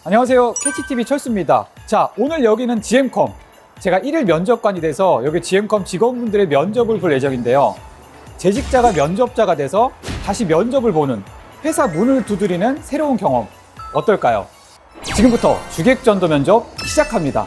안녕하세요. 캐치TV 철수입니다. 자, 오늘 여기는 GM컴. 제가 1일 면접관이 돼서 여기 GM컴 직원분들의 면접을 볼 예정인데요. 재직자가 면접자가 돼서 다시 면접을 보는 회사 문을 두드리는 새로운 경험. 어떨까요? 지금부터 주객전도 면접 시작합니다.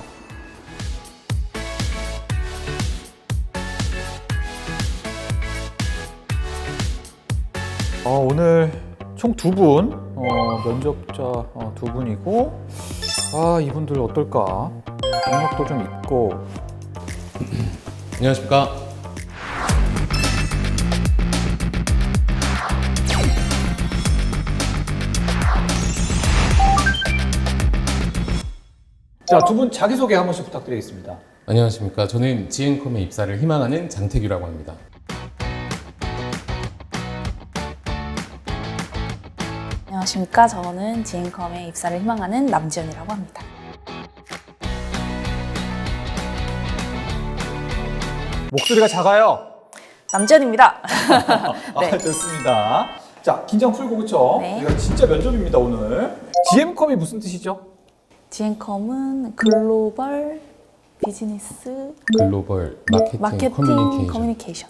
오늘 총 2분, 면접자 2분이고, 이분들 어떨까? 경력도 좀 있고. 안녕하십니까. 자, 2분 자기소개 한 번씩 부탁드리겠습니다. 안녕하십니까. 저는 GM컴에 입사를 희망하는 장태규라고 합니다. 안녕하십니까. 저는 GM컴에 입사를 희망하는 남지연이라고 합니다. 목소리가 작아요. 남지연입니다. 네. 좋습니다. 자, 긴장 풀고, 그쵸? 네. 이거 진짜 면접입니다, 오늘. GM컴이 무슨 뜻이죠? GM컴은 글로벌 비즈니스 글로벌 마케팅 커뮤니케이션.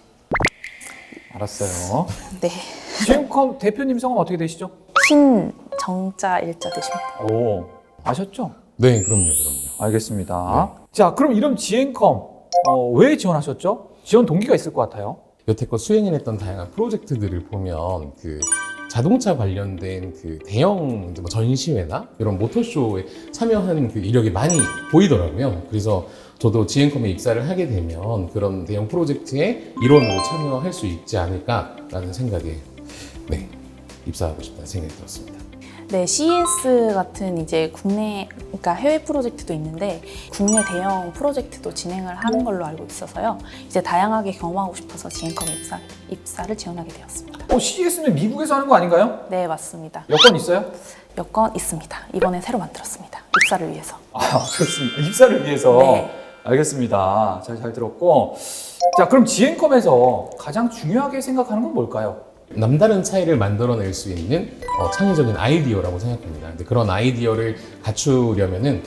알았어요. 네. GM컴 대표님 성함 어떻게 되시죠? 신정자 일자 되십니다. 오, 아셨죠? 네, 그럼요. 알겠습니다. 자, 그럼 이런 GM컴 왜 지원하셨죠? 지원 동기가 있을 것 같아요. 여태껏 수행해냈던 다양한 프로젝트들을 보면 자동차 관련된 대형 뭐 전시회나 이런 모터쇼에 참여하는 이력이 많이 보이더라고요. 그래서 저도 GM컴에 입사를 하게 되면 그런 대형 프로젝트의 일원으로 참여할 수 있지 않을까라는 생각에 입사하고 싶다는 생각이 들었습니다. 네, CES 같은 이제 그러니까 해외 프로젝트도 있는데 국내 대형 프로젝트도 진행을 하는 걸로 알고 있어서요. 이제 다양하게 경험하고 싶어서 GM컴에 입사를 지원하게 되었습니다. CES는 미국에서 하는 거 아닌가요? 네, 맞습니다. 여권 있어요? 여권 있습니다. 이번에 새로 만들었습니다. 입사를 위해서. 좋습니다. 입사를 위해서. 네. 알겠습니다. 잘 들었고. 자, 그럼 GM컴에서 가장 중요하게 생각하는 건 뭘까요? 남다른 차이를 만들어낼 수 있는 창의적인 아이디어라고 생각합니다. 근데 그런 아이디어를 갖추려면은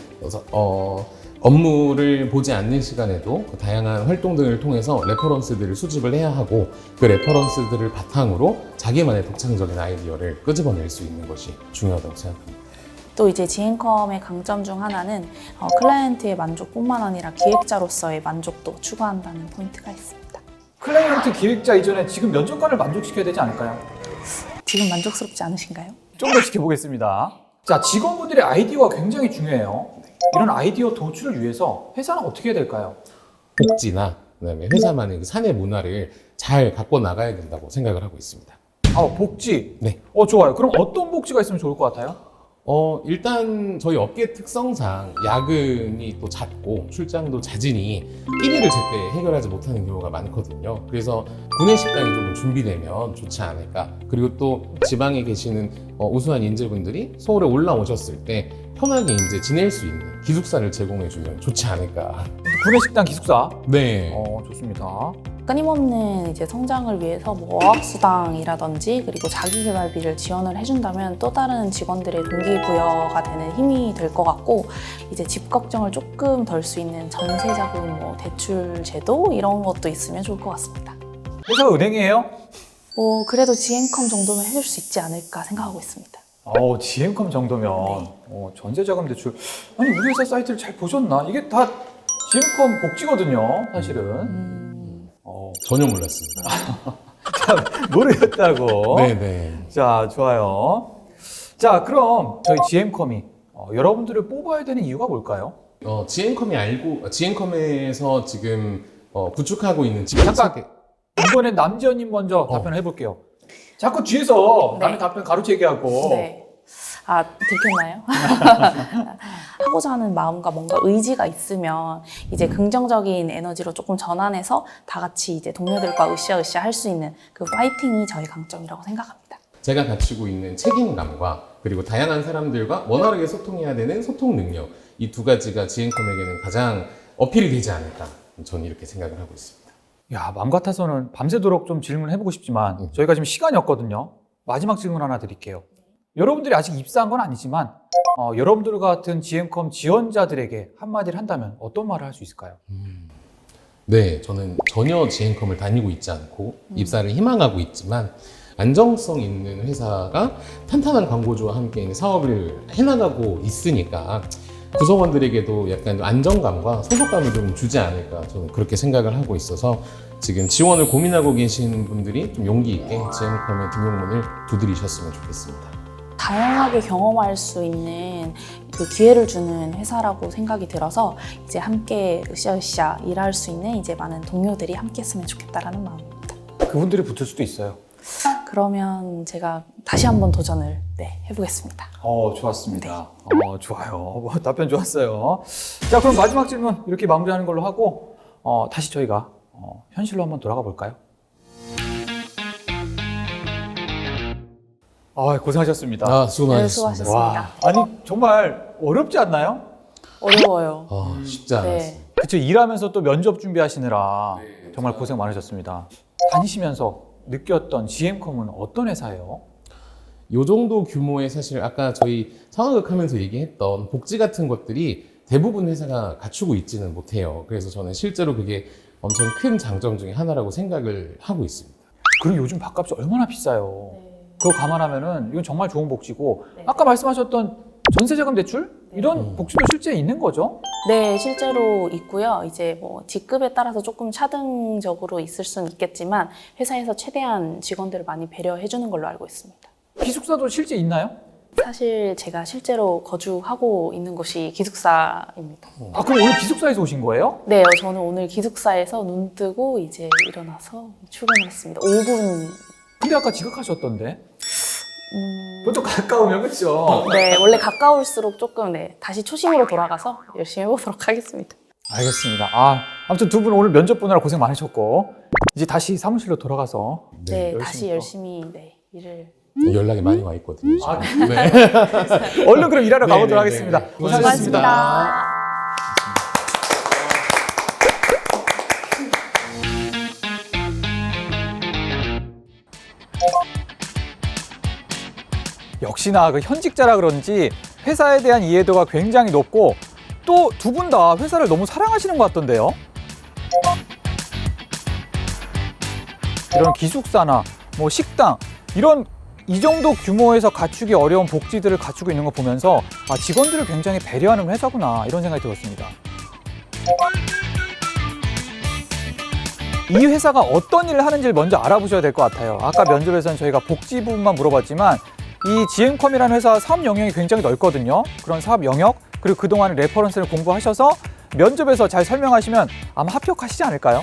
업무를 보지 않는 시간에도 다양한 활동 등을 통해서 레퍼런스들을 수집을 해야 하고 그 레퍼런스들을 바탕으로 자기만의 독창적인 아이디어를 끄집어낼 수 있는 것이 중요하다고 생각합니다. 또 이제 GM컴의 강점 중 하나는 클라이언트의 만족뿐만 아니라 기획자로서의 만족도 추구한다는 포인트가 있습니다. 클라이언트 기획자 이전에 지금 면접관을 만족시켜야 되지 않을까요? 지금 만족스럽지 않으신가요? 좀 더 지켜보겠습니다. 자, 직원분들의 아이디어가 굉장히 중요해요. 이런 아이디어 도출을 위해서 회사는 어떻게 해야 될까요? 복지나 그다음에 회사만의 사내 문화를 잘 갖고 나가야 된다고 생각을 하고 있습니다. 복지. 네. 좋아요. 그럼 어떤 복지가 있으면 좋을 것 같아요? 일단 저희 업계 특성상 야근이 또 잦고 출장도 잦으니 끼니를 제때 해결하지 못하는 경우가 많거든요. 그래서 구내 식당이 좀 준비되면 좋지 않을까. 그리고 또 지방에 계시는 우수한 인재분들이 서울에 올라오셨을 때 편하게 이제 지낼 수 있는 기숙사를 제공해주면 좋지 않을까. 구내식당 기숙사. 네. 좋습니다. 끊임없는 이제 성장을 위해서 뭐 어학수당이라든지 그리고 자기개발비를 지원을 해준다면 또 다른 직원들의 동기부여가 되는 힘이 될 것 같고 이제 집 걱정을 조금 덜 수 있는 전세자금 뭐 대출 제도 이런 것도 있으면 좋을 것 같습니다. 회사가 은행이에요? 그래도 GM컴 정도면 해줄 수 있지 않을까 생각하고 있습니다. GM컴 정도면 네. 전세자금 대출. 아니, 우리 회사 사이트를 잘 보셨나? 이게 다 GM컴 복지거든요, 사실은. 전혀 몰랐습니다. 모르겠다고. 네네. 자, 좋아요. 자, 그럼 저희 GM컴이 여러분들을 뽑아야 되는 이유가 뭘까요? GM컴에서 지금 구축하고 있는 잠깐! 이번엔 남지연님 먼저 답변을 해볼게요. 자꾸 뒤에서 네. 남의 답변 가로채기 하고. 네. 들켰나요? 하고자 하는 마음과 뭔가 의지가 있으면 이제 긍정적인 에너지로 조금 전환해서 다 같이 이제 동료들과 으쌰으쌰 할 수 있는 그 파이팅이 저희 강점이라고 생각합니다. 제가 가지고 있는 책임감과 그리고 다양한 사람들과 원활하게 소통해야 되는 소통 능력, 이 두 가지가 GM컴에게는 가장 어필이 되지 않을까, 저는 이렇게 생각을 하고 있습니다. 야, 마음 같아서는 밤새도록 좀 질문을 해보고 싶지만 저희가 지금 시간이 없거든요. 마지막 질문 하나 드릴게요. 여러분들이 아직 입사한 건 아니지만 여러분들 같은 GM컴 지원자들에게 한마디를 한다면 어떤 말을 할 수 있을까요? 네, 저는 전혀 GM컴을 다니고 있지 않고 입사를 희망하고 있지만 안정성 있는 회사가 탄탄한 광고주와 함께 사업을 해나가고 있으니까 구성원들에게도 약간 안정감과 소속감을 좀 주지 않을까 저는 그렇게 생각을 하고 있어서 지금 지원을 고민하고 계신 분들이 좀 용기 있게 GM컴의 등용문을 두드리셨으면 좋겠습니다. 다양하게 경험할 수 있는 그 기회를 주는 회사라고 생각이 들어서 이제 함께 으쌰으쌰 일할 수 있는 이제 많은 동료들이 함께 했으면 좋겠다라는 마음입니다. 그분들이 붙을 수도 있어요. 그러면 제가 다시 한번 도전을 해보겠습니다. 좋았습니다. 좋아요. 답변 좋았어요. 자, 그럼 마지막 질문 이렇게 마무리하는 걸로 하고 다시 저희가 현실로 한번 돌아가 볼까요? 고생하셨습니다. 수고 네, 많으셨습니다. 수고하셨습니다. 아니 정말 어렵지 않나요? 어려워요. 쉽지 않았어요. 그쵸, 일하면서 또 면접 준비하시느라 정말 고생 많으셨습니다. 다니시면서 느꼈던 GM컴은 어떤 회사예요? 요 정도 규모의 사실 아까 저희 상황극 하면서 얘기했던 복지 같은 것들이 대부분 회사가 갖추고 있지는 못해요. 그래서 저는 실제로 그게 엄청 큰 장점 중에 하나라고 생각을 하고 있습니다. 그리고 요즘 밥값이 얼마나 비싸요. 그거 감안하면은 이건 정말 좋은 복지고 네. 아까 말씀하셨던 전세자금 대출? 이런 복지도 실제 있는 거죠? 네, 실제로 있고요. 이제 뭐 직급에 따라서 조금 차등적으로 있을 수는 있겠지만 회사에서 최대한 직원들을 많이 배려해 주는 걸로 알고 있습니다. 기숙사도 실제 있나요? 사실 제가 실제로 거주하고 있는 곳이 기숙사입니다. 그럼 오늘 기숙사에서 오신 거예요? 네, 저는 오늘 기숙사에서 눈 뜨고 이제 일어나서 출근을 했습니다. 5분. 근데 아까 지각하셨던데? 보통 가까우면 그렇죠? 네, 원래 가까울수록 조금 다시 초심으로 돌아가서 열심히 해보도록 하겠습니다. 알겠습니다. 아무튼 두 분 오늘 면접 보느라 고생 많으셨고 이제 다시 사무실로 돌아가서 네, 열심히 다시 또. 열심히 네. 연락이 많이 와 있거든요. 지금. 네. 얼른 그럼 일하러 가보도록 네, 네, 하겠습니다. 네. 고생하셨습니다. 역시나 그 현직자라 그런지 회사에 대한 이해도가 굉장히 높고 또 두 분 다 회사를 너무 사랑하시는 것 같던데요. 이런 기숙사나 뭐 식당 이런 이 정도 규모에서 갖추기 어려운 복지들을 갖추고 있는 거 보면서 직원들을 굉장히 배려하는 회사구나 이런 생각이 들었습니다. 이 회사가 어떤 일을 하는지를 먼저 알아보셔야 될 것 같아요. 아까 면접에서는 저희가 복지 부분만 물어봤지만 이 GM컴이라는 회사 사업 영역이 굉장히 넓거든요. 그런 사업 영역 그리고 그동안 레퍼런스를 공부하셔서 면접에서 잘 설명하시면 아마 합격하시지 않을까요?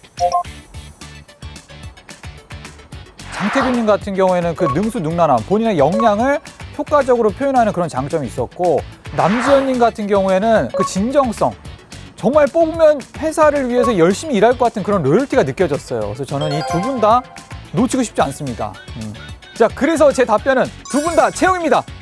장태균님 같은 경우에는 그 능수능란함, 본인의 역량을 효과적으로 표현하는 그런 장점이 있었고 남지현님 같은 경우에는 그 진정성, 정말 뽑으면 회사를 위해서 열심히 일할 것 같은 그런 로열티가 느껴졌어요. 그래서 저는 이 두 분 다 놓치고 싶지 않습니다. 자, 그래서 제 답변은 두 분 다 채용입니다.